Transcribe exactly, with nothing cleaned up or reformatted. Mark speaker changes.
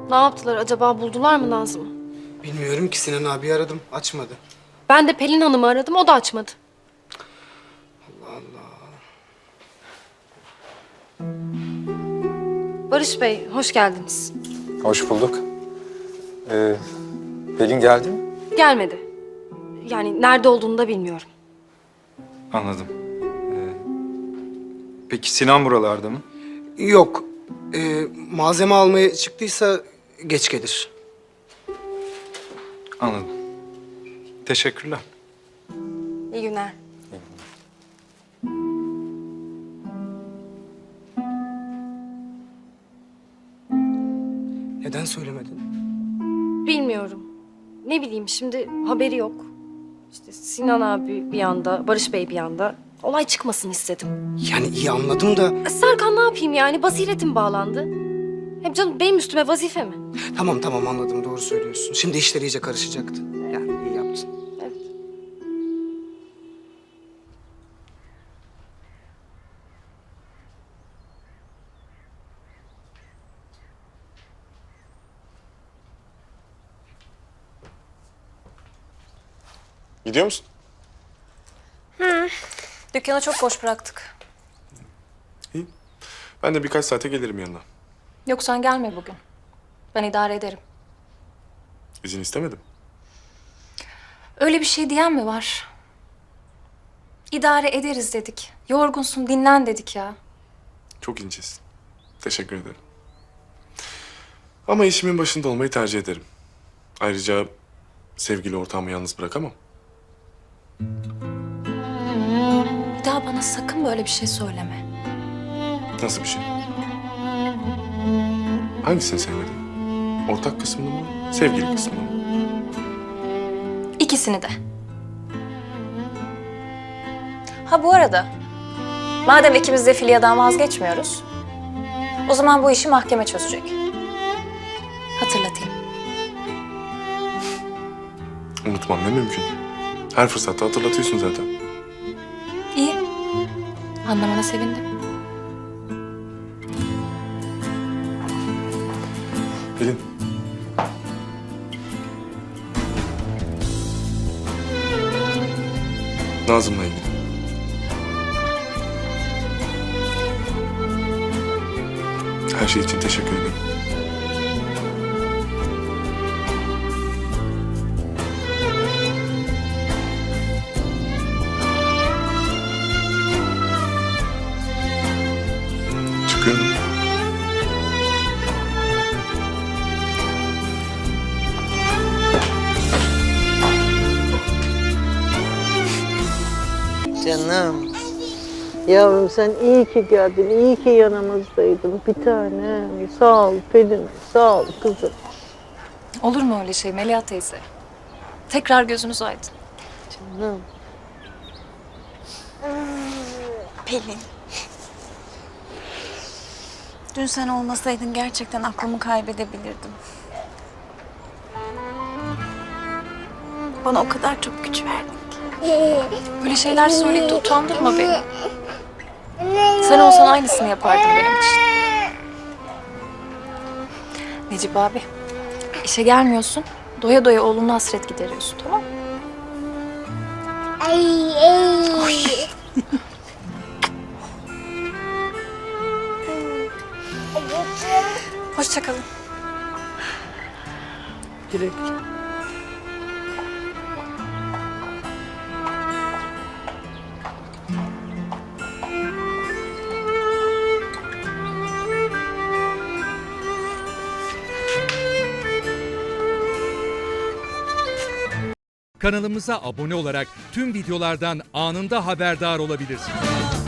Speaker 1: Ne yaptılar acaba? Buldular mı Nazım'ı?
Speaker 2: Bilmiyorum ki, Sinan abi aradım, açmadı.
Speaker 1: Ben de Pelin Hanım'ı aradım, o da açmadı.
Speaker 2: Allah Allah.
Speaker 1: Barış Bey, hoş geldiniz.
Speaker 3: Hoş bulduk. Ee, Pelin geldi mi?
Speaker 1: Gelmedi. Yani nerede olduğunu da bilmiyorum.
Speaker 3: Anladım. Ee, peki Sinan buralarda mı?
Speaker 2: Yok, ee, malzeme almaya çıktıysa geç gelir.
Speaker 3: Anladım. Teşekkürler.
Speaker 1: İyi günler.
Speaker 2: Neden söylemedin?
Speaker 1: Bilmiyorum. Ne bileyim şimdi haberi yok. İşte Sinan abi bir yanda, Barış Bey bir yanda. Olay çıkmasın istedim.
Speaker 2: Yani iyi anladım da...
Speaker 1: E, Serkan ne yapayım yani? Basiretim bağlandı. Hem canım benim üstüme vazife mi?
Speaker 2: Tamam tamam anladım, doğru söylüyorsun. Şimdi işler iyice karışacaktı. Yani iyi yaptın.
Speaker 1: Evet.
Speaker 4: Gidiyor musun?
Speaker 5: Dükkanı çok boş bıraktık.
Speaker 4: İyi. Ben de birkaç saate gelirim yanına.
Speaker 5: Yok sen gelme bugün. Ben idare ederim.
Speaker 4: İzin istemedim.
Speaker 5: Öyle bir şey diyen mi var? İdare ederiz dedik. Yorgunsun, dinlen dedik ya.
Speaker 4: Çok incesin. Teşekkür ederim. Ama işimin başında olmayı tercih ederim. Ayrıca sevgili ortağımı yalnız bırakamam.
Speaker 5: Bir daha bana sakın böyle bir şey söyleme.
Speaker 4: Nasıl bir şey? Hangisini sevmedin? Ortak kısmını mı, sevgili kısmını mı?
Speaker 5: İkisini de. Ha bu arada, madem ikimiz de Filya'dan vazgeçmiyoruz, o zaman bu işi mahkeme çözecek. Hatırlatayım.
Speaker 4: Unutmam ne mümkün. Her fırsatta hatırlatıyorsun zaten.
Speaker 5: İyi. Anlamana sevindim.
Speaker 4: Pelin. Nazım'la ilgili. Her şey için teşekkür ederim. Çıkıyorum.
Speaker 6: Canım. Yavrum sen iyi ki geldin, iyi ki yanımızdaydın. Bir tanem. Sağ ol Pelin, sağ ol kızım.
Speaker 5: Olur mu öyle şey Melia teyze? Tekrar gözünüz aydın.
Speaker 6: Canım.
Speaker 7: Pelin. Dün sen olmasaydın gerçekten aklımı kaybedebilirdim. Bana o kadar çok güç verdin ki.
Speaker 5: Böyle şeyler söyleyip de utandırma beni. Sen olsan aynısını yapardın benim için. Necip abi, işe gelmiyorsun. Doya doya oğluna hasret gideriyorsun, tamam mı? Oy. Hoşça kalın.
Speaker 6: Direkt.
Speaker 8: Kanalımıza abone olarak tüm videolardan anında haberdar olabilirsiniz.